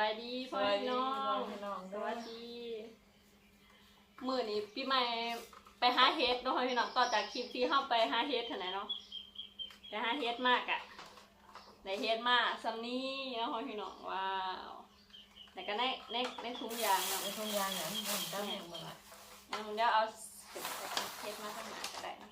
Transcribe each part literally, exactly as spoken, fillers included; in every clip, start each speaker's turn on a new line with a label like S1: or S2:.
S1: บายดีพ่อพี่น้องสวัสดีมื้อนี้พี่ใหม่ไปหาเฮ็ดเนาะพ่อพี่น้องต่อจากคลิปที่เฮาไปหาเฮ็ดเท่านั้นเนาะไปหาเฮ็ดมากอะได้เฮ็ดมาซำนี้เนาะพ่อพี่น้องว้าวแต่ก็ในในในถุงยางเนาะ
S2: ในถุงยางเนี่ยมันตั้งอย่างเมื่อไหร่
S1: งั้นเดี๋ยวเอาเฮ็ดมาข้างหน้าก็ได้นะ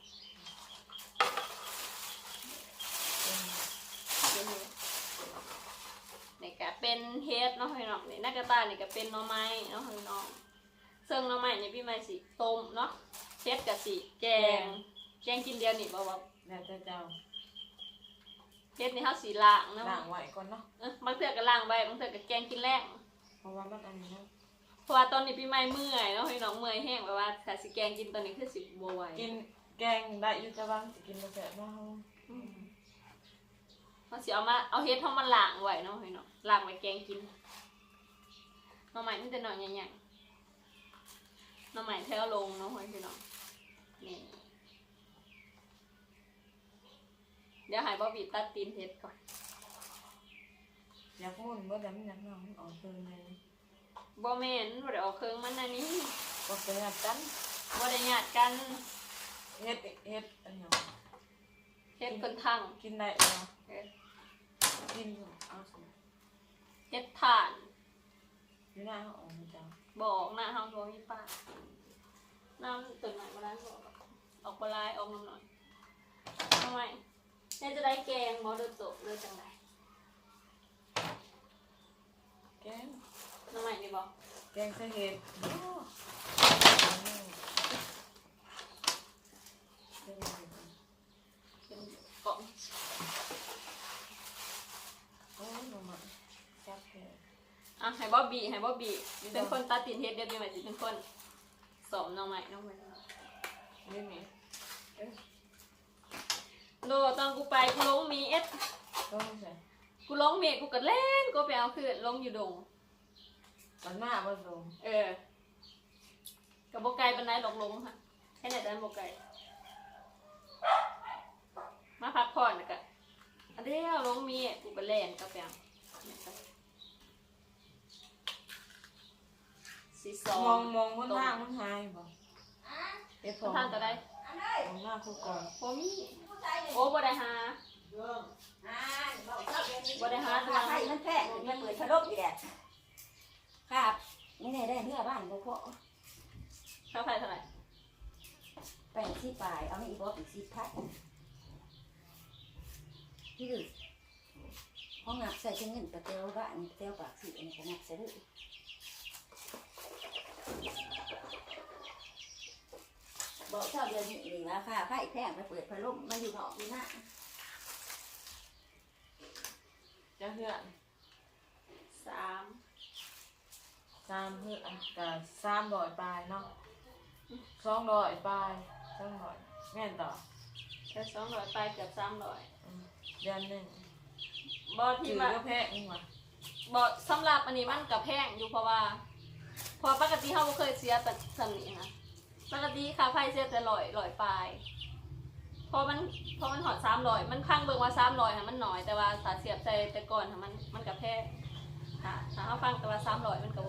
S1: นี่ก็เป็นเฮ็ดเนาะพี่น้องนี่นักกระตานี่ก็เป็นหน่อไม้เนาะพี่น้องซึ่งหน่อไม้นี่พี่ไม้สิต้มเนาะเฮ็ดก็สิแกงแกงกินเดียวนี่บ่ว่า
S2: แล้วแต่เจ้า
S1: เฮ็ดนี่เฮาสิล้างเนาะ
S2: ล้างไว้ก่อนเนาะ
S1: เออบางเทื่อก็ล้างไว้บางเทื่อก็แกงกินแรง
S2: เพราะว่ามันอันนี้เนาะ
S1: เพราะว่าตอนนี้พี่ไม้เมื่อยเนาะพี่น้องเมื่อยแห้งแบบว่าถ้าสิแกงกินตอนนี้คือสิบ่ไหว
S2: กินแกงได้อยู่แต่ว่าสิกินบ่แซ่บเนาะ
S1: เฮาสิเอามาเอาเฮ็ดเฮามาล้างไว้เนาะพี่น้องล้างไว้แกงกินหน่อไม้มันจะหน่อยใหญ่ๆหน่อไม้แถวลงเนาะพี่น้องนี่เดี๋ยวให้บ๊อบบี้ตัดตีนเฮ็ดก่อน
S2: อยากมุ่นเมื่อใดมันอยากนอนออกเพิ่งเลย
S1: บ่แม่นบ่ได้ออกเครื่องมันอันนี้
S2: บ่ได้ญาติกัน
S1: บ่ได้ญาติกัน
S2: เฮ็ดเฮ็ดอันหยัง
S1: เฮ็ดคนทั้ง
S2: กินได้เนาะกินเอาสิ
S1: เฮ็ดถ่าน
S2: อยู่หน้าเฮาออกจ้ะ
S1: บอกหน้าเฮาบ่มีป้าน้ำตื่นใหม่บ่ได้บ่ออกบ่ลายออกน้ำหน่อยทำไมแม่จะได้แกงบ่โดนตกเลยจังได๋
S2: แกง
S1: น้ำใหม่นี่บ่
S2: แกงใส่เห็ดโอ้
S1: เป็นกล่อง
S2: โอ้ยบ่มาจับแท้
S1: อ่ะให้บ๊อบบี้ให้บ๊อบบี้เป็นคนตัดตีนเฮ็ดเดี๋ยวพี่ใหม่สิเป็นคนสอนน้องใหม่น้องใหม่
S2: นี่มีเอ๊ะ
S1: โดตอนกูไปกูลงมีเอส
S2: ลงใส่
S1: กูลงเมฆกูก็เล่นกูไปเอาคือลงอยู่ดง
S2: มันมาบ่ลง
S1: เออกับโบไก่เป็นไรหลงลงค่ะแค่ไหนแต่โบไก่มาพักผ่อนกันอันเดียวลงมีกูก็เล่นก็ไปเอาสีสอง
S2: มองมองบนทางมันหายบ่
S1: เอ๊ะทางก็ได้
S2: มองหน้าคู่ก่อน
S1: โอ้มีโอ้บ่ได้หาบ่ได้หาตัว
S3: ให้มันแพงมันเปิดพัดลมอีแหละครับนี่ได้เนื้อบ้านบ่พอ
S1: ค่าไฟเท่าไหร่
S3: แปดสิบปลายเอาไม่อีกบ่อีกสิบพันที่ดึกห้องงับใส่เงินประเตียวบ้านประเตียวปากสีอันนี้ก็งับใส่ด้วยบอกชอบเดือนนี้นี่ราคาไฟแพงไปเปิดพัดลมมาอยู่นอกอยู่หน้า
S2: จะเหือน
S1: สาม
S2: สามเหือนกับสามร้อยปลายเนาะสองร้อยปลายสองร้อยแม่นต่อ
S1: แค่สองร้อยไปเกือบสามร้อย
S2: เดือนหนึ่ง
S1: บอที่มา
S2: แพงนี่หว่า
S1: บอสำหรับอันนี้มันกับแพงอยู่เพราะว่าพอปกติเขาไม่เคยเสียแต่สำนี้นะปกติค่าไฟเสียแต่ร้อยร้อยปลายพอมันพอมันหอดสามร้อยมันพังเบิ่งว่าสามร้อยค่ะมันน้อยแต่ว่าสาเสียบใจแต่ก่อนค่ะมันมันกับแพงค่ะถ้าเขาฟังแต่ว่าสามร้อยมันกับ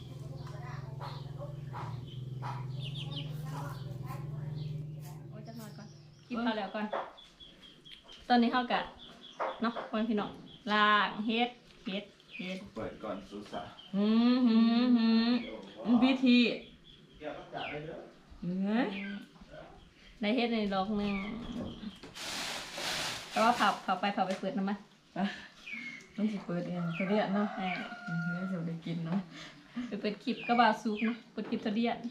S1: โอ้ยจะนอนก่อนคิดมาแล้วก่อนตอนนี้เขากะเนาะคนพี่น้องล้างเฮ็ดเฮ็ดเฮ็ด
S4: เปิดก่อนสุสา
S2: หืมหืมหืมพิธี
S1: เฮ้ยในเฮ็ดในล็อกนึงแต่ว่าผับผับไปผับไปเปิดน้ำมัน
S2: ต้องสิเปิดเองเขาเรียกเนาะเออเดี๋ยวจะได้กินเนาะ
S1: ไปเปิดคลิปก็บาซุกเนาะเปิดคลิปทะเดียน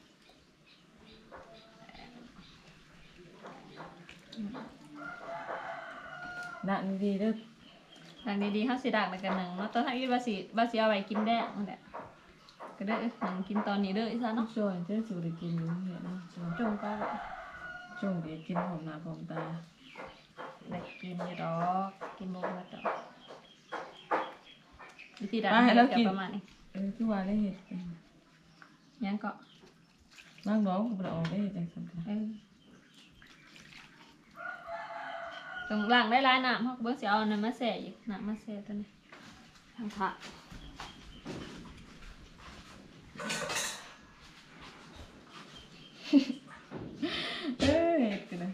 S2: ดังดีเด้อ
S1: ดังดีๆเขาสิดักในกันหนึ่งเนาะตอนที่บาสิบาสิเอาไว้กินแดงนั่นแหละก็ได้หนังกินตอนนี้เด้ออีซ่าเนาะ
S2: ช่วยเจ้าสูได้กินอยู่เนี่ยเนาะ
S1: จงก็
S2: จงได้กินหอมหน้าหอมตา
S1: ได้กินอยู่ดอกกินโมกแล้วจ้ะวิธีดัก
S2: แล้ว
S1: กินประมาณนี้
S2: เออคือว่าได้เห็ด
S1: ยังก็
S2: นั่งร้องกูไปออกได้เห็ดจังสัน
S1: เออตรงหลังได้ร้ายน้ำเขาเบิ้งเสียเอาน้ำมาแส่อีกน้ำมาแส่ตัวนี้ทางผัก
S2: เอ้ยกันเลย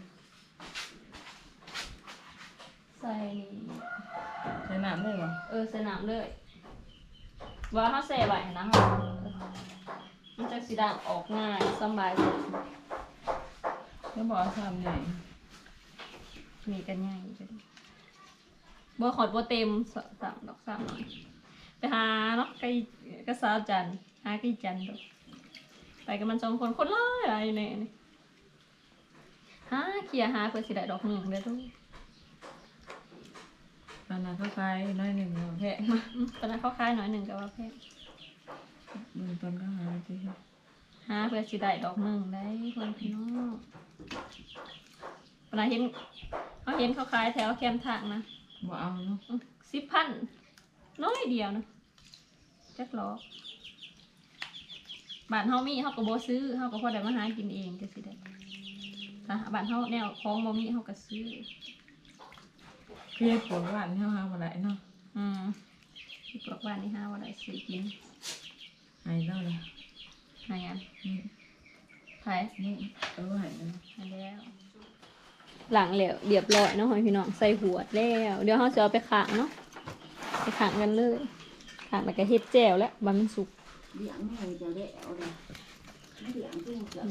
S1: ใส่นี่
S2: ใช้น้ำได้เหรอ
S1: เออใส่น้ำเลยว่าเขาใส่ไว้นะฮะมันจะสีด่างออกง่ายสบายสุด
S2: แล้วบอกว่าทำใหญ่
S1: มีกันง่ายจังบ่ขอดบ่เต็มสามดอกสามหน่อยไปหาเนาะไก่กระสาวจันทร์หาไก่จันทร์ดอกไปกันมันสองคนคนร้ายอะไรเนี่ยนี่หาเขี่ยหาเพื่อสิได้ดอกหนึ่งเด้อทุก
S2: ปลาหนาเข้าไปน้อยหนึ่งแพะ
S1: อืมตอนนั้นเขาคายหน่อยหนึ่งก็ว่าแพง
S2: มึงตอนก็หาสิ
S1: หาเพื่อสิได้ดอกหนึ่งได้คนพี่น้องเวลาเห็นเขาเห็นเขาขายแถวแคมทางนะ
S2: บ่เอาเนาะ
S1: สิบพันน้อยเดียวนะจักหรอกบ้านเฮามีเฮาก็บ่ซื้อเฮาก็พอได้มาหากินเองจังซี่ได้ถ้าบ้านเฮาแนวของบ่มีเฮาก็ซื้อ
S2: เพี้ยปวดหวานเท่าหาบ่ได้เนาะ
S1: อืมที่บอกบ้านนี่หาว่าได้ซื้อกิน
S2: หายแล้วเลย
S1: หาหยัง
S2: นี่
S1: ไผ
S2: นี่เออหายแล้ว
S1: หาแล้ว หลังแล้วเรียบร้อยเนาะพี่น้องใส่หัวแล้ว เดี๋ยวเฮาจะเอาไปข้างเนาะไปข้างกันเลยข้างแล้วก็เฮ็ดแจ่วแล้วบัดมันสุก
S3: เลี้ยงแม่จะได้เอาเลยเลี้ยงเพิ่งเกิด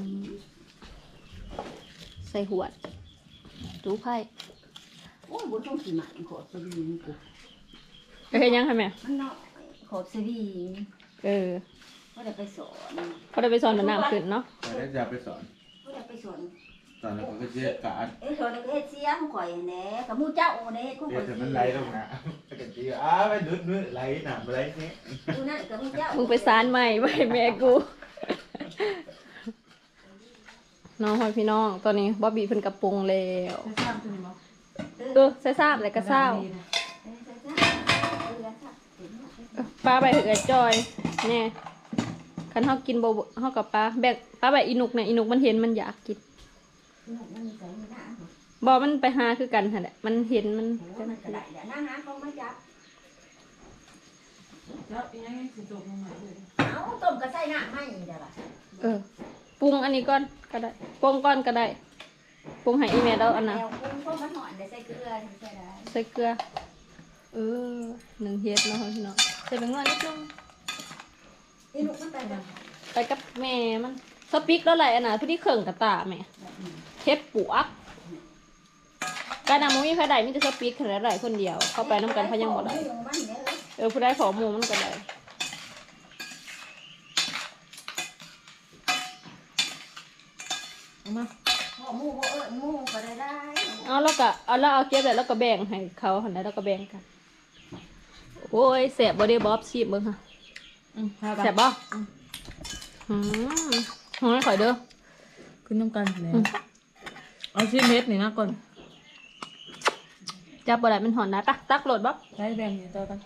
S1: ใส่หัวจูไผ่
S3: โอ้ยบุต้องสีหมันขอดสวิงกู
S1: เอ้ยยังค่ะแม่
S3: มันน้อยขอดสวิง
S1: เออ
S3: ก็ได้ไปสอน
S1: เขาได้ไปสอนมันน้ำขึ้นเนาะ
S4: แต่ได้จะไปสอน
S3: ก็ได้ไปสอน
S4: ตอนนั้นเขาก็เชื่อการ
S3: เอ้ยสอนเฮ็ดเสียของข่อยแหน่กับมูเจ้าแหน่ของ
S4: เดี๋
S3: ข่
S4: ย
S3: อ
S4: วย ถึงมันไหลลงนะปกติอ้าไปดุดมือไหลหนามไหลนี้
S3: ดูนั่นกับมูเจ้า
S1: มึงไปสานใหม่ไว้แม่กูน้องพ่อพี่น้องตอนนี้บ๊อบบี้เพิ่นกระปรุงแล้ว
S2: ใช้ซ้ำตัวนี้บ่
S1: เออใส่ซาบเลยก็เศร้า
S3: เออใช่ๆเออแล้วค่ะเห็นไหม
S1: ปลาใบเหือจอยแน่คันเฮากินบ่เฮากับปลาแบกปลาใบอีนุกเนี่ยอีนุกมันเห็นมันอยากกิน
S3: มันมีใส่ไม่ได้เหรอ
S1: บ่มันไปหาคือกันหั่นแหละมันเห็นมัน
S3: โอ้มันกระไดเดี๋ยวนั่งหาเขาไม่จับ
S2: แล้วอีกอย่างนี้สิตกลงมาเลย
S3: เอาต้มกระใส่น้ำให้เดี๋ยวล่ะ
S1: เออปรุงอันนี้ก่อนก็ได้ปรุงก่อนก็ได้ปรุงให้อีแม่เอาอันน่ะ
S3: แนวกุ้งต้มมันหอนเดี๋ยวใส่เกลือใส่ได้
S1: ใส่เกลือเออหนึ่งเฮ็ดเนาะพี่น้องใส่แบงค์น้อยนิดนึง
S3: อีลูกมันไปแบบ
S1: ไปกับแม่มันสปิกแล้วแหละอันน่ะพอดีเข่งกระตาแม่เฮ็ดปวกการนำมันมีไผได้มีแต่สปิกแค่ไหนคนเดียว เข้าไปน้ำกันเขายังบ่ได้
S3: มันเนี่ยเลย
S1: เออผู้ได้ขอหมูมันก็ได้
S2: เอามา
S3: หอหมูบ่เออหมูก็ได้ได้
S1: เอาแล้วก็เอาแล้วเอาเก็บแล้วแล้วก็แบ่งให้เขาหันได้แล้วก็แบ่งกันโอ้ยแสบบ่ได้บ๊อบชีบเบิ่งค่ะ
S2: อืมพาไป
S1: แสบบ่อืมหอยข่อยเด้อ
S2: ขึ้นน้ำกันแล้วเอาชิ้นเม็ดนี่นะก่อน
S1: จับบ่ได้มันหอนนะตักตักโหลดบ๊อบ
S2: ใช้แบ่งอยู่ต่อกัน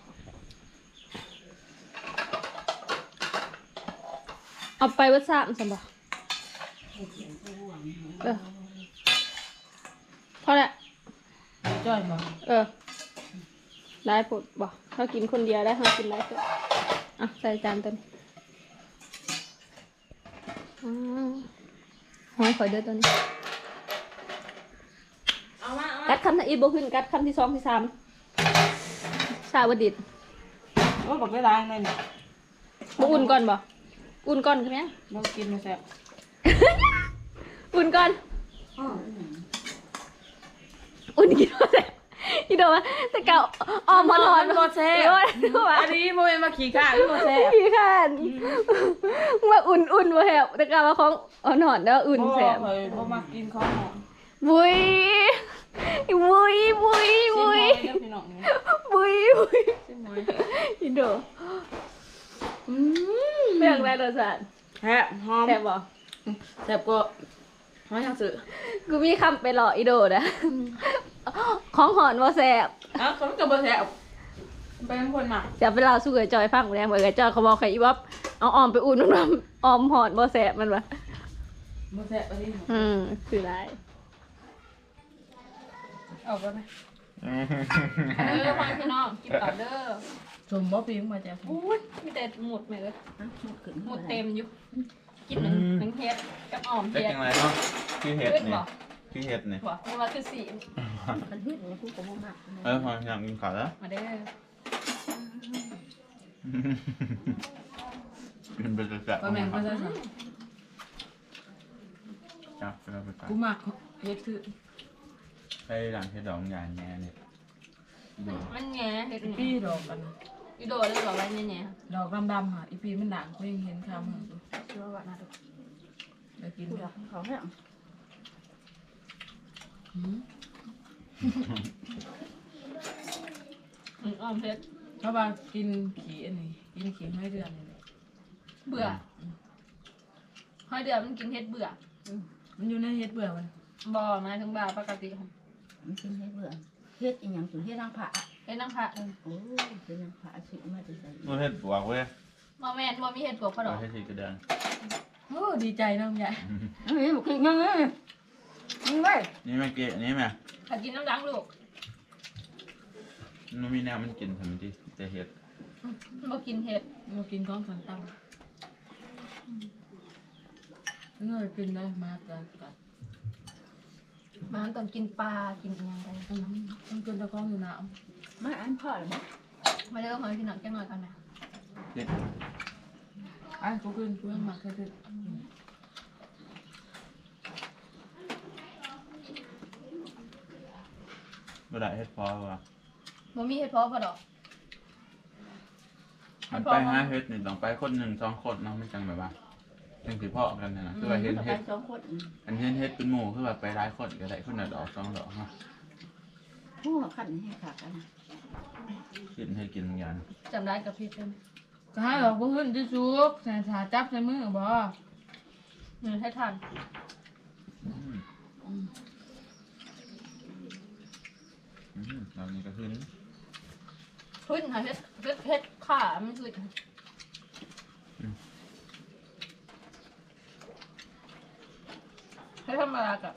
S1: เอาไปวัดซ่ามซั่นบ่เออพอแล้ว
S2: จ้อยบ่
S1: เออหลายปุดบ่เขากินคนเดียวได้เขากินหลายปุดอ่ะใส่จานตัวนี้อืมหอยข่อยเด้อตัวนี้
S2: เอามาเอา
S1: กัดคำที่อีกบ่ขึ้นกัดคำที่สองที่สามชาวดิด
S2: โอ้บอกได้ล้างเลยเนี่ย
S1: บ่อุ่นก่อนบ่อุ่นก่อนใช่ไหม
S2: บ่กินมาแซ่บ
S1: อุ่นก่อน
S3: อ๋อ
S1: อุ่นกินว่าแซ่บอีโดว่าแต่เก่าออมมาถอน
S2: บ่แซ่บ
S1: อีโดว่า
S2: อันนี้บ่เป็นมาขี่ข้างบ่แซ่บ
S1: ขี้ข้านว่าอุ่นอุ่นบ่แซ่บแต่เก่าว่าของอ่อนหอนแล้วอุ่นแซ่บ
S2: บ่เคยบ่มากินของหอม
S1: บุยบุยบุยบุย
S2: ชิมหอยเด้อพี่น้องนี่
S1: บุยบุย
S2: ชิมหอย
S1: อีโดอืมเรื่องแรกรสชาติ
S2: แซ่บหอม
S1: แซ่บบ่
S2: แซ่บก็หอยทางสื่อ
S1: กูมีคำไปหล่ออีโดนะของหอนว่าแสบ
S2: อ้าวเขาก็บ่แซ่บไปทั้งคนมา
S1: จะไปเล่าสู้กับจอยฟังแรงเหมือนกับจอยเขาบอกใครอีวับเอาออมไปอุ่นน้ำออมหอนว่าแสบมันวะ
S2: บ่แซ่บอันนี้
S1: อืมคือไร
S2: เอาไปไหม
S1: เออฟังพี่น้องกินต่อเด้อ
S2: สมบ่ปีงมาจาก
S1: อุ้ยมีแต่หมดไหมเลย
S3: ฮะหมดขึ้น
S1: หมดเต็มอยู่กินหนึ่งหนึ่งเฮ็ดกับอ่อม
S4: ได้
S1: เฮ็ด
S4: จังไรเนาะคือเห็ด
S1: ขึ้น
S4: เนี่
S1: บ่
S4: ยคือเห็ดเนี่ย
S1: บ่ไม่ว่าคือสี
S3: มันเฮ็ดเนี่ยกูก็บ่มัก
S4: เออพออยากกินข้าวแล้ว
S1: มาได้อ
S4: กินไปจะจับ
S2: ก็แม่งก็จะสั่ง
S4: จับไปแล้วไปจับ
S2: กูมักเฮ็ดคือ
S4: ไปหลังเห็ดดอกใหญ่แน่เนี่ยดู
S1: มันแง่เฮ็ด
S2: อี
S1: นี่
S2: ปีดอกกัน
S1: อีโดเลยบอกว่าแง่
S2: ดอกดำๆค่ะอีปีมันด่างกูยังเห็นคำเหรอ
S1: ๆชื่อว่าน่าดู
S2: เดี๋ยวกิน
S3: กูอยากเขาให้
S2: หืม
S1: อืมอ่อมเฮ็ด
S2: เพราะว่ากินขี้อันนี้กินขี้ให้เดือนนี่
S1: เบื่อห้อยเดือนมันกินเฮ็ดเบื่อ
S2: มันอยู่ในเฮ็ดเบื่อมัน
S1: บ่หมายถึงบ่าปกติ
S3: มันกินให้เบื่อเฮ็ดอีหยังตัวเฮ็ดนางผา
S1: เฮ็ดนางพระเออ
S3: โอ้ยเป็นนางผาสิมาจะใส่
S4: ดูเห็ดบวกเว้ย
S1: บ่แม่นบ่มีเฮ็ดปวกพอด
S4: เรา
S1: อก
S4: เห็ดสีกระเดาน
S2: โอ้ดีใจน้องใหญ่
S3: เฮ้ยบ่กินยังไงมึงไว้
S4: นี่แม่เกะนี่แม่
S1: ถ้ากินน้ำดังลูก
S4: มันมีแนวมันกินทำไมที่จะเห็ด
S1: บ่กินเฮ็ด
S2: มากินก้อนสันตังเงยกินได้มากกันกัน
S1: มันต้องกินปลากินอิหยังได้
S2: อืมมันกินตะก้องอยู่น้
S3: มาอันพ่อหรือบ่
S1: มาเด้อหอยพี่น้องจังหน่อยก่อนนะ
S4: เห็ด
S2: ำไอ้กูกินกูยังมักแค่คือ
S4: บ่ได้เห็ดพอว่ะ
S1: บ่มีเฮ็ดเพอพอดอก
S4: มันไปหาเห็ดนี่ต้องไปคนหนึ่งสองคนเนาะไม่จังแบบว่าจังสิพ่อกันนะนะคือว่าเห็น
S3: ไป
S4: เห็ด
S3: สองคน
S4: อันเห็นเห็ดเป็นหมู่คือแบบไปร้ายคนก็ได้คนละดอกสองดอกเนาะ
S3: ผู้ขันให้ขากัน
S4: กินให้กินอย่าง
S1: จำได้กับพี่เพิ่น
S2: ก็ให้ดอกบ่ขึ้นจะสุกใส่ถาจับใส่มือบ่
S1: อืมให้ทาน
S4: อืมอืมเรานี่ก็ขึ้น
S1: ขึ้นค่ะเฮ็ดเฮ็ดเฮ็ดขามันขึ้นให้ธรรมดากับ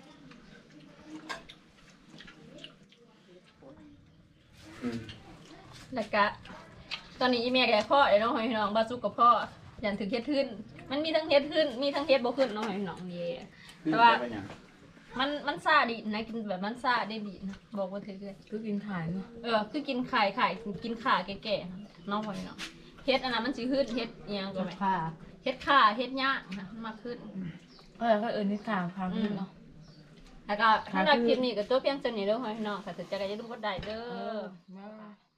S1: แล้วก็ตอนนี้อีเมียแกพ่อไอ้น้องหอยพี่น้องบาซุกกับพ่อยันถึงเฮ็ดขึ้น มันมีทั้งเฮ็ดขึ้น มีทั้งเฮ็ดบ่ขึ้นน้องหอยพี่น้องเย่แต่ว่ามันมันซาดีนะกินแบบมันซาได้ดีนะบอกว่าถือเลย
S2: คือกินถ่ายเนาะ
S1: เออคือกินไข่ไข่กินขาแก่ๆน้องหอยพี่น้องเฮ็ดอันนั้นมันสิขึ้นเฮ็ดอีหยังก็ไม่
S3: ค่ะ
S1: เฮ็ดขาเฮ็ดย่างนะมันมาขึ้น
S2: เออก็เอิ้นนี่ข่าวพาขึ้นเนาะ
S1: แล้วก็สำหรับคลิปนี้ก็ตัวเพียงเท่านี้เด้อหอยพี่น้องค่ะถ้าจะได้อย่าลืมกดไลค์เด้
S2: เอ
S1: อ
S2: อมา